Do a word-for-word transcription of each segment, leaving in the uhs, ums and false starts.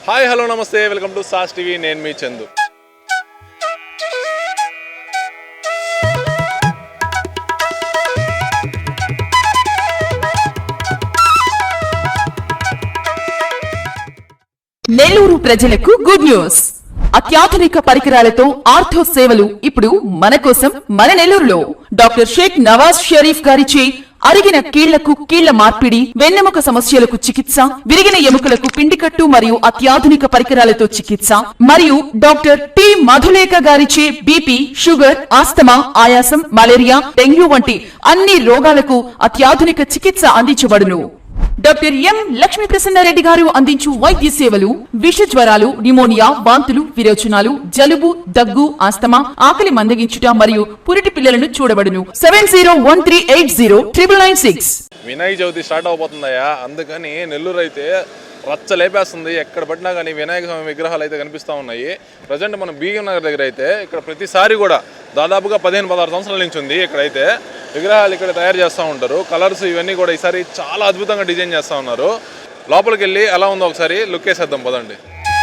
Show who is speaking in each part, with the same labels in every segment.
Speaker 1: Hi hello namaste welcome to SAS TV నేను మీ చందు.
Speaker 2: నెల్లూరు ప్రజలకు గుడ్ న్యూస్. అత్యాధునిక పరికరాలతో ఆర్థో సేవలు ఇప్పుడు మన కోసం మన నెల్లూరులో డాక్టర్ షేక్ నవాజ్ షరీఫ్ గారిచే అరిగిన కీళ్లకు కీళ్ల మార్పిడి, వెన్నెముక సమస్యలకు చికిత్స, విరిగిన ఎముకలకు పిండికట్టు మరియు అత్యాధునిక పరికరాలతో చికిత్స మరియు డాక్టర్ టి మధులేఖ గారిచే బీపీ, షుగర్, ఆస్తమా, ఆయాసం, మలేరియా, డెంగ్యూ వంటి అన్ని రోగాలకు అత్యాధునిక చికిత్స అందించబడును. డాక్టర్ ఎం లక్ష్మీ ప్రసన్నారెడ్డి గారు అందించు వైద్య సేవలు విష జ్వరాలు, న్యూమోనియా, వాంతులు, విరోచనాలు, జలుబు, దగ్గు, ఆస్తమా, ఆకలి మందగించుట మరియు పురిటి పిల్లలను చూడబడును. Seven zero one three eight zero triple nine six.
Speaker 1: Vinayaka Chavithi start అవబోతుందయ్యా, అందుకని నెల్లూరు అయితే రచ్చ లేపేస్తుంది. ఎక్కడ పడినా కానీ వినాయక స్వామి విగ్రహాలు అయితే కనిపిస్తూ ఉన్నాయి. ప్రజెంట్ మనం బీగం నగర్ దగ్గర అయితే ఇక్కడ ప్రతిసారి కూడా దాదాపుగా పదిహేను పదహారు సంవత్సరాల నుంచి ఉంది. ఇక్కడైతే విగ్రహాలు ఇక్కడ తయారు చేస్తూ ఉంటారు. కలర్స్ ఇవన్నీ కూడా ఈసారి చాలా అద్భుతంగా డిజైన్ చేస్తూ ఉన్నారు. లోపలికి వెళ్ళి ఎలా ఉందో ఒకసారి లుక్ వేసేద్దాం పదండి.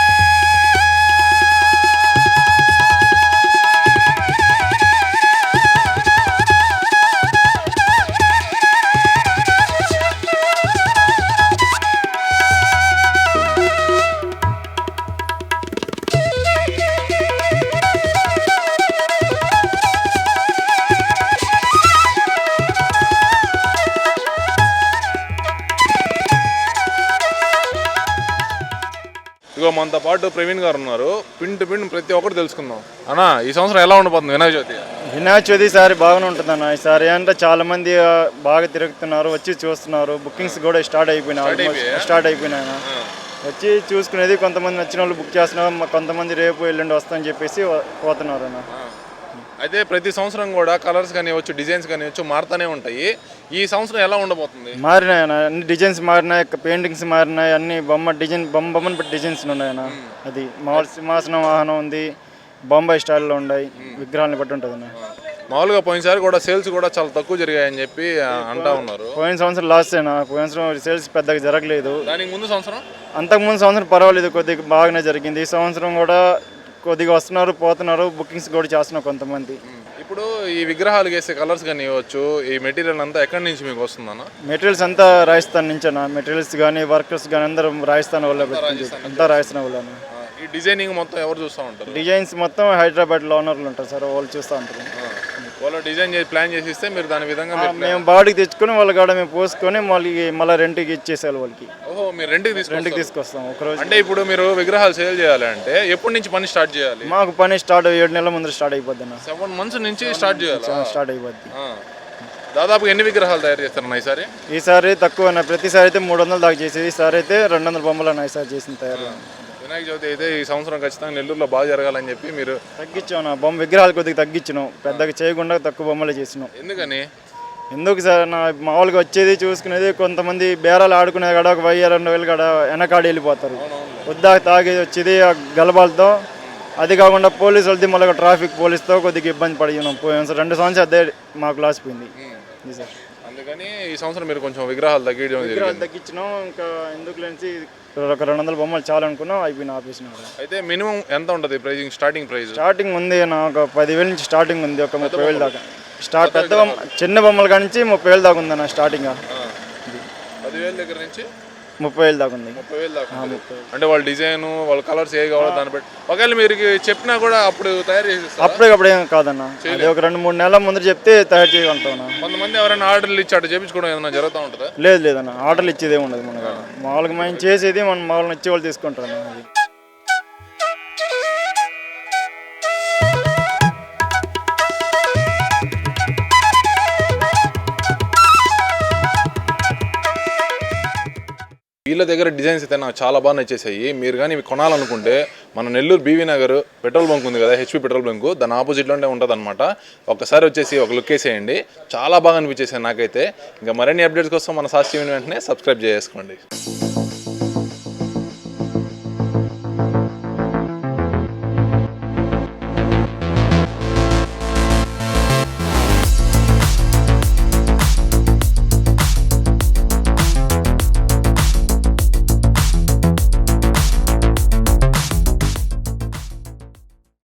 Speaker 1: ఇగో మనతో పాటు ప్రవీణ్ గారు ఉన్నారు. పిండి పిండి ప్రతి ఒక్కరు తెలుసుకుందాం. అన్న, ఈ సంవత్సరం ఎలా ఉండబోతుంది వినాయక చవితి?
Speaker 3: వినాయక చవితి ఈసారి బాగానే ఉంటుంది అన్న. ఈసారి అంటే చాలా మంది బాగా తిరుగుతున్నారు, వచ్చి చూస్తున్నారు. బుకింగ్స్ కూడా స్టార్ట్ అయిపోయినాయి స్టార్ట్ అయిపోయినాయి వచ్చి చూసుకునేది. కొంతమంది నచ్చిన వాళ్ళు బుక్ చేస్తున్నారు, కొంతమంది రేపు ఎల్లుండి వస్తామని చెప్పేసి పోతున్నారు అన్న.
Speaker 1: అయితే ప్రతి సంవత్సరం కూడా కలర్స్ కానివచ్చు, డిజైన్స్ కానివచ్చు మారుతూనే ఉంటాయి. ఈ సంవత్సరం ఎలా ఉండబోతుంది?
Speaker 3: మారినాయి అన్న, అన్ని డిజైన్స్ మారినాయి, పెయింటింగ్స్ మారినాయి, అన్ని బొమ్మ డిజైన్ బొమ్మ బొమ్మను బట్టి డిజైన్స్ ఉన్నాయన్న. అది మామూలు సింహాసనం వాహనం ఉంది, బొంబాయి స్టైల్లో ఉన్నాయి, విగ్రహాలను బట్టి ఉంటుంది అన్న.
Speaker 1: మామూలుగా పోయినసారి కూడా సేల్స్ కూడా చాలా తక్కువ జరిగాయని చెప్పి అంటా ఉన్నారు.
Speaker 3: పోయిన సంవత్సరం లాస్ట్ అయినా పోయిన సంవత్సరం సేల్స్ పెద్దగా జరగలేదు.
Speaker 1: దానికి ముందు సంవత్సరం
Speaker 3: అంతకుముందు సంవత్సరం పర్వాలేదు, కొద్దిగా బాగానే జరిగింది. ఈ సంవత్సరం కూడా కొద్దిగా వస్తున్నారు, పోతున్నారు, బుకింగ్స్ కూడా చేస్తున్నారు కొంతమంది.
Speaker 1: ఇప్పుడు ఈ విగ్రహాలు వేసే కలర్స్ కానీ ఇవ్వచ్చు, ఈ మెటీరియల్ అంతా ఎక్కడి నుంచి మీకు వస్తుందన్న?
Speaker 3: మెటీరియల్స్ అంతా రాజస్థాన్ నుంచేనా, మెటీరియల్స్ కానీ వర్కర్స్ కానీ అందరూ రాజస్థాన్ వాళ్ళే అంతా రాజస్థాన్ వాళ్ళని.
Speaker 1: ఈ డిజైనింగ్ మొత్తం ఎవరు చూస్తూ ఉంటారు?
Speaker 3: డిజైన్స్ మొత్తం హైదరాబాద్లో ఓనర్లు ఉంటారు సార్, వాళ్ళు చూస్తూ ఉంటారు.
Speaker 1: వాళ్ళు డిజైన్ చేసి ప్లాన్ చేసి ఇస్తే మీరు దాని విధంగా
Speaker 3: మేము బాడీకి తెచ్చుకొని వాళ్ళ కాడ మేము పోసుకొని మళ్ళీ మళ్ళీ రెంట్కి ఇచ్చేసేయాలి వాళ్ళకి.
Speaker 1: ఓహో, మీరు రెంట్కి తీసుకు
Speaker 3: రెంట్కి తీసుకొస్తాం ఒకరోజు.
Speaker 1: అంటే ఇప్పుడు మీరు విగ్రహాలు సేల్ చేయాలి అంటే ఎప్పటి నుంచి పని స్టార్ట్ చేయాలి?
Speaker 3: మాకు పని స్టార్ట్ ఏడు నెలల ముందు స్టార్ట్ అయిపోద్ది అన్న.
Speaker 1: సెవెన్ మంత్స్ నుంచి స్టార్ట్ చేయాలి.
Speaker 3: స్టార్ట్ అయిపోద్ది.
Speaker 1: దాదాపు ఎన్ని విగ్రహాలు తయారు చేస్తారన్న ఈసారి?
Speaker 3: ఈసారి తక్కువ అన్న, ప్రతిసారి అయితే మూడు వందలు దాకా చేసేది, ఈసారి అయితే రెండు వందల బొమ్మలు అన్న ఈసారి చేసిన తయారు.
Speaker 1: వినాయక చవితి అయితే ఈ సంవత్సరం ఖచ్చితంగా నెల్లూరులో బాగా జరగాలని చెప్పి మీరు
Speaker 3: తగ్గించాం నా బొమ్మ విగ్రహాలు కొద్దిగా తగ్గించినాం, పెద్దగా చేయకుండా తక్కువ బొమ్మలు చేసినాం.
Speaker 1: ఎందుకని?
Speaker 3: ఎందుకు సార్, నా మామూలుగా వచ్చేది చూసుకునేది, కొంతమంది బేరాలు ఆడుకునేది కాడ ఒక వెయ్యి రెండు వేలు కాడ వెనకాడి వెళ్ళిపోతారు. వద్దా తాగేది వచ్చేది గలబాలతో. అది కాకుండా పోలీసు వాళ్ళది మళ్ళీ ట్రాఫిక్ పోలీసుతో కొద్దిగా ఇబ్బంది పడినాం. పోయాం సార్, రెండు సంవత్సరాలు అదే మాకు లాస్ పోయింది సార్.
Speaker 1: అందుకని ఈ సంవత్సరం మీరు కొంచెం విగ్రహాలు తగ్గించడం
Speaker 3: విగ్రహాలు తగ్గించినాం. ఇంకా ఎందుకు లేని ఒక రెండు వందల బొమ్మలు చాలా అనుకున్నాం, అయిపోయిన ఆపేసిన.
Speaker 1: అయితే మినిమం ఎంత ఉంటుంది ప్రైజింగ్? స్టార్టింగ్ ప్రైస్
Speaker 3: స్టార్టింగ్ ఉంది నా ఒక పదివేల నుంచి స్టార్టింగ్ ఉంది, ఒక ముప్పై వేలు దాకా. స్టార్ట్ పెద్ద బొమ్మ చిన్న బొమ్మల కాడి నుంచి ముప్పై వేలు దాకా ఉందన్న స్టార్టింగ్.
Speaker 1: పదివేల దగ్గర నుంచి
Speaker 3: ముప్పై వేలు దాకా ఉంది.
Speaker 1: ముప్పై వేలు దాకా అంటే వాళ్ళ డిజైన్, వాళ్ళ కలర్స్ ఏ కావాలో దాన్ని బట్టి. ఒకవేళ మీరు చెప్పినా కూడా అప్పుడు తయారు చేసి
Speaker 3: అప్పటికప్పుడు ఏం కాదన్న, అది ఒక రెండు మూడు నెలల ముందు చెప్తే తయారు చేయగలుగుతాం.
Speaker 1: కొంతమంది ఎవరైనా ఆర్డర్లు ఇచ్చి అటు చేయించుకోవడం ఏదైనా జరుగుతూ ఉంటుందా?
Speaker 3: లేదు లేదన్న, ఆర్డర్లు ఇచ్చేది ఏమి ఉండదు. మన మామూలుగా మేము చేసేది మనం మామూలుగా ఇచ్చే వాళ్ళు తీసుకుంటారు అన్న. అది
Speaker 1: వీళ్ళ దగ్గర డిజైన్స్ అయితే నాకు చాలా బాగా నచ్చేసాయి. మీరు కానీ ఇవి కొనాలనుకుంటే మన నెల్లూరు బీవీ నగర్ పెట్రోల్ బంక్ ఉంది కదా, హెచ్పి పెట్రోల్ బంక్, దాని ఆపోజిట్లోనే ఉంటుంది అనమాట. ఒక్కసారి వచ్చేసి ఒక లుక్ వేసేయండి, చాలా బాగా అనిపించేసాయి నాకైతే. ఇంకా మరిన్ని అప్డేట్స్ కోసం మన సాస్ టీవీని వెంటనే సబ్స్క్రైబ్ చేసుకోండి.